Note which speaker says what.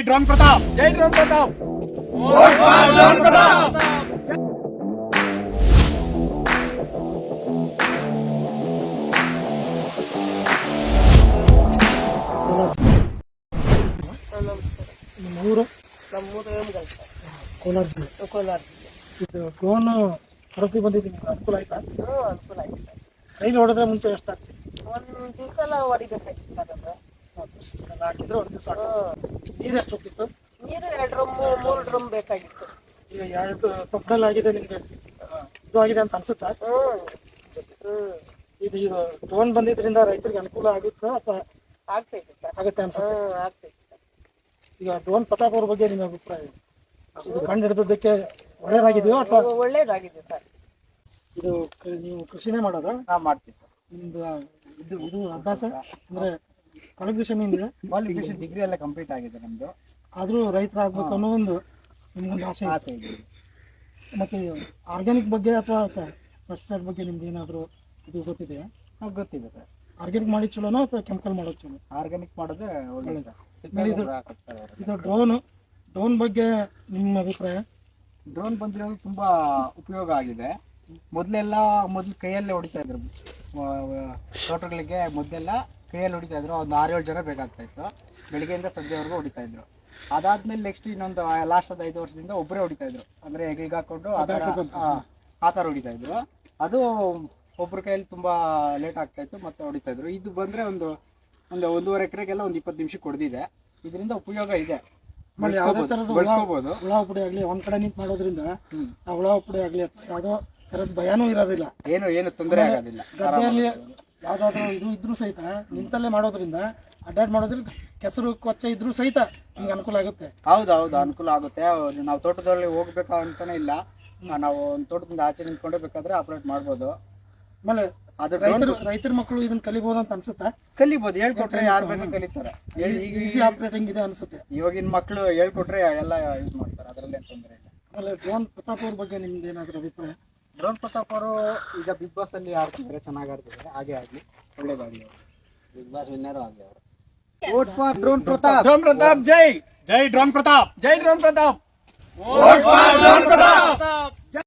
Speaker 1: Drone Prathap.
Speaker 2: ಜೈ drone Prathap.
Speaker 1: Drone Prathap.
Speaker 3: ನಿಮ್ಮ ಊರು?
Speaker 2: ನಮ್ಮೂರು ಹೇಮಗಲ್ ಸರ್,
Speaker 3: ಕೋಲಾರ ಜಿಲ್ಲೆ.
Speaker 2: ಕೋಲಾರ ಜಿಲ್ಲೆ.
Speaker 3: ಇದು ಡ್ರೋನ್ ಹಡಪಿ ಬಂದಿದ್ದು ನಿಮ್ಗೆ ಅನುಕೂಲ ಆಯ್ತಾ?
Speaker 2: ಅನುಕೂಲ ಆಯ್ತು ಸರ್.
Speaker 3: ಕೈಲಿ ಹೊಡೆದ್ರೆ ಮುಂಚೆ ಎಷ್ಟಾಗ್ತಿತ್ತು?
Speaker 2: ಒಂದು ದಿವಸ ಎಲ್ಲ ಹೊಡಿಬೇಕಾಗಿತ್ತು ಸರ್ ಅದು.
Speaker 3: ಹಾಕಿದ್ರೆ ಒಂದು ದಿವಸ ನೀರು ಎಷ್ಟು ಹೋಗ್ತಿತ್ತು?
Speaker 2: ನೀರು 2 ಡ್ರಮ್ 3 ಡ್ರಮ್ ಬೇಕಾಗಿತ್ತು.
Speaker 3: ಈಗ 2 ಪಕ್ಕದಲ್ಲಿ ಆಗಿದೆ, ನಿಮ್ಗೆ ಇದು ಆಗಿದೆ ಅಂತ ಅನ್ಸುತ್ತಾ? ಇದು ಡ್ರೋನ್ ಬಂದಿದ್ರಿಂದ ರೈತರಿಗೆ ಅನುಕೂಲ ಆಗಿತ್ತಾ ಅಥವಾ
Speaker 2: ಆಗ್ತೈತೆ ಸರ್.
Speaker 3: ಆಗುತ್ತೆ ಅನ್ಸುತ್ತೆ?
Speaker 2: ಆಗ್ತೈತೆ ಸರ್.
Speaker 3: ಈಗ ಡ್ರೋನ್ ಪ್ರತಾಪ್ ಅವ್ರ ಬಗ್ಗೆ ನಿಮ್ಮ ಅಭಿಪ್ರಾಯ? ಇದು ಕಂಡು ಹಿಡಿದಕ್ಕೆ ಒಳ್ಳೇದಾಗಿದೆಯೋ ಅಥವಾ?
Speaker 2: ಒಳ್ಳೇದಾಗಿದೆ ಸರ್.
Speaker 3: ಇದು ನೀವು ಕೃಷಿನೇ ಮಾಡೋದಾ?
Speaker 1: ಮಾಡ್ತೀವಿ ಸರ್.
Speaker 3: ನಿಮ್ದು ಇದು ಅಭ್ಯಾಸ ಅಂದ್ರೆ ಕ್ವಾಲಿಫಿಕೇಶನ್ ಏನಿದೆ?
Speaker 1: ಕ್ವಾಲಿಫಿಕೇಶನ್ ಡಿಗ್ರಿ ಎಲ್ಲ ಕಂಪ್ಲೀಟ್ ಆಗಿದೆ ನಮ್ದು.
Speaker 3: ಆದ್ರೂ ರೈತರಾಗಬೇಕು ಅನ್ನೋ ಒಂದು ನಿಮ್ಗೊಂದು ಆಸೆ
Speaker 1: ಇದೆ.
Speaker 3: ಮತ್ತೆ ಆರ್ಗ್ಯಾನಿಕ್ ಬಗ್ಗೆ ಅಥವಾ ಪೆಸ್ಟಿಸೈಡ್ ಬಗ್ಗೆ ನಿಮ್ಗೆ ಏನಾದರೂ ಇದು ಗೊತ್ತಿದೆಯಾ?
Speaker 1: ಗೊತ್ತಿದೆ ಸರ್.
Speaker 3: ಆರ್ಗ್ಯಾನಿಕ್ ಮಾಡಿ ಚಲೋನೋ ಅಥವಾ ಕೆಮಿಕಲ್ ಮಾಡೋದು ಚಲೋ?
Speaker 1: ಆರ್ಗ್ಯಾನಿಕ್ ಮಾಡೋದೇ ಒಳ್ಳೆಯದು.
Speaker 3: ಇದು ಡ್ರೋನ್ ಬಗ್ಗೆ ನಿಮ್ಮ ಅಭಿಪ್ರಾಯ?
Speaker 1: ಡ್ರೋನ್ ಬಂದಿರೋದು ತುಂಬಾ ಉಪಯೋಗ ಆಗಿದೆ. ಮೊದಲು ಕೈಯಲ್ಲೇ ಹೊಡಿತಾ ಇದ್ರು ತೋಟಗಳಿಗೆ. ಮೊದಲೆಲ್ಲ ಕೈಯಲ್ಲಿ ಹೊಡಿತಾ ಇದ್ರು. ಒಂದು 6-7 ಜನ ಬೇಕಾಗ್ತಾ ಇತ್ತು. ಬೆಳಿಗ್ಗೆಯಿಂದ ಸಂಜೆವರೆಗೂ ಹೊಡಿತಾ ಇದ್ರು. ಅದಾದ್ಮೇಲೆ ನೆಕ್ಸ್ಟ್ ಇನ್ನೊಂದು ಲಾಸ್ಟ್ 5 ವರ್ಷದಿಂದ ಒಬ್ಬರೇ ಹೊಡಿತಾ ಇದ್ರು. ಅಂದ್ರೆ ಹೆಗಲಿಗೆ ಹಾಕೊಂಡು ಆ ಥರ ಹೊಡಿತಾ ಇದ್ರು. ಅದು ಒಬ್ಬರ ಕೈಯಲ್ಲಿ ತುಂಬಾ ಲೇಟ್ ಆಗ್ತಾ ಇತ್ತು, ಮತ್ತೆ ಹೊಡಿತಾ ಇದ್ರು. ಇದು ಬಂದ್ರೆ ಒಂದು 1.5 ಎಕರೆಗೆಲ್ಲ ಒಂದು 20 ನಿಮಿಷಕ್ಕೆ ಹೊಡೆದಿದೆ. ಇದರಿಂದ ಉಪಯೋಗ ಇದೆ.
Speaker 3: ಯಾವುದೇ ಥರದ
Speaker 1: ಬೆಳೆಸ್ಕೋಬಹುದು.
Speaker 3: ಹುಳ ಪುಡಿ ಆಗಲಿ ಒಂದ್ ಕಡೆ ನಿಂತು ಮಾಡೋದ್ರಿಂದ ಆ ಹುಳ ಪುಡಿ ಆಗಲಿ ಯಾವುದೋ ಥರದ ಭಯನೂ ಇರೋದಿಲ್ಲ.
Speaker 1: ಏನು ತೊಂದರೆ ಆಗೋದಿಲ್ಲ.
Speaker 3: ಗದ್ದೆಯಲ್ಲಿ ಯಾವ್ದಾದ್ರು ಇದು ಇದ್ರೂ ಸಹಿತ ನಿಂತಲ್ಲೇ ಮಾಡೋದ್ರಿಂದ ಅಡ್ಡಾಡ್ ಮಾಡೋದ್ರಿಂದ ಕೆಸರು ಕೊಚ್ಚೆ ಇದ್ರೂ ಸಹಿತ ನಿಮ್ಗೆ ಅನುಕೂಲ ಆಗುತ್ತೆ.
Speaker 1: ಹೌದು ಅನುಕೂಲ ಆಗುತ್ತೆ. ನಾವು ತೋಟದಲ್ಲಿ ಹೋಗ್ಬೇಕಾ ಅಂತಾನೆ ಇಲ್ಲ. ನಾವು ಒಂದು ತೋಟದಿಂದ ಆಚೆ ನಿಂತ್ಕೊಂಡೇ ಬೇಕಾದ್ರೆ ಆಪರೇಟ್ ಮಾಡ್ಬೋದು.
Speaker 3: ಆಮೇಲೆ ರೈತರ ಮಕ್ಕಳು ಇದನ್ನ ಕಲಿಬಹುದು ಅಂತ ಅನ್ಸುತ್ತಾ?
Speaker 1: ಕಲಿಬಹುದು. ಹೇಳ್ಕೊಟ್ರೆ ಯಾರು ಬೇಕಾದ್ರೆ ಕಲಿತಾರೆ.
Speaker 3: ಈಸಿ ಆಪರೇಟಿಂಗ್ ಇದೆ ಅನ್ಸುತ್ತೆ.
Speaker 1: ಇವಾಗಿನ ಮಕ್ಕಳು ಹೇಳ್ಕೊಟ್ರೆ ಎಲ್ಲ ಯೂಸ್ ಮಾಡ್ತಾರೆ. ಅದರಲ್ಲಿ ಏನು ತೊಂದರೆ ಇಲ್ಲ.
Speaker 3: ಆಮೇಲೆ ಡ್ರೋನ್ ಪ್ರತಾಪ್ ಅವ್ರ ಬಗ್ಗೆ ನಿಮ್ದು ಏನಾದರೂ ಅಭಿಪ್ರಾಯ?
Speaker 1: ಡ್ರೋನ್ ಪ್ರತಾಪ್ ಅವರು ಈಗ ಬಿಗ್ ಬಾಸ್ ಅಲ್ಲಿ ಆಡ್ತಿದ್ದಾರೆ, ಚೆನ್ನಾಗಿ ಆಡ್ತಿದ್ದಾರೆ. ಹಾಗೆ ಆಗ್ಲಿ, ಒಳ್ಳೇದಾಗ್ಲಿ. ಬಿಗ್ ಬಾಸ್ ವಿನ್ನರ್ ಆಗ್ಲಿ ಅವರು. Vote for drone Prathap.
Speaker 2: Drone Prathap ಜೈ.
Speaker 1: ಜೈ ಡ್ರೋನ್ ಪ್ರತಾಪ್.
Speaker 2: ಜೈ drone Prathap.
Speaker 1: Vote for drone Pratap.